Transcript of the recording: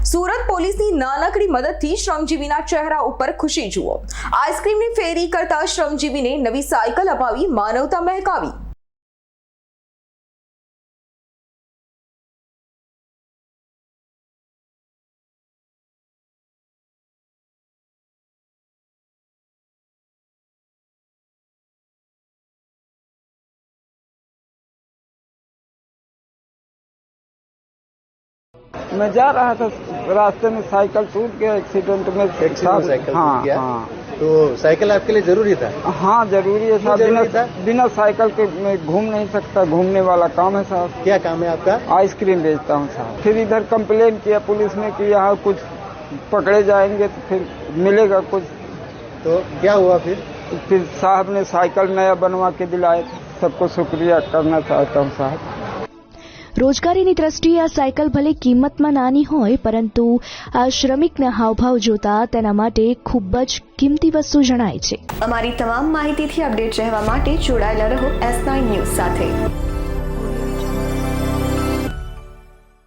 સુરત પોલીસની નાનકડી મદદથી શ્રમજીવીના ચહેરા ઉપર ખુશી જુઓ। આઈસ્ક્રીમની ફેરી કરતા શ્રમજીવીને નવી સાયકલ અપાવી માનવતા મહેકાવી। मैं जा रहा था, रास्ते में साइकिल टूट गया, एक्सीडेंट में साइकिल हाँ, टूट गया। हाँ। तो साइकिल आपके लिए जरूरी था? हाँ जरूरी है साहब, बिना साइकिल के मैं घूम नहीं सकता, घूमने वाला काम है साहब। क्या काम है आपका? आइसक्रीम बेचता हूँ साहब। फिर इधर कंप्लेन किया पुलिस ने कि यहाँ कुछ पकड़े जाएंगे तो फिर मिलेगा कुछ। तो क्या हुआ फिर साहब ने साइकिल नया बनवा के दिलाए। सबको शुक्रिया करना चाहता हूँ साहब। રોજગારીની દ્રષ્ટિએ આ સાયકલ ભલે કિંમતમાં નાની હોય, પરંતુ આ શ્રમિકના હાવભાવ જોતા તેના માટે ખૂબ જ કિંમતી વસ્તુ જણાય છે। અમારી તમામ માહિતીથી અપડેટ રહેવા માટે જોડાયેલા રહો S9 ન્યૂઝ સાથે।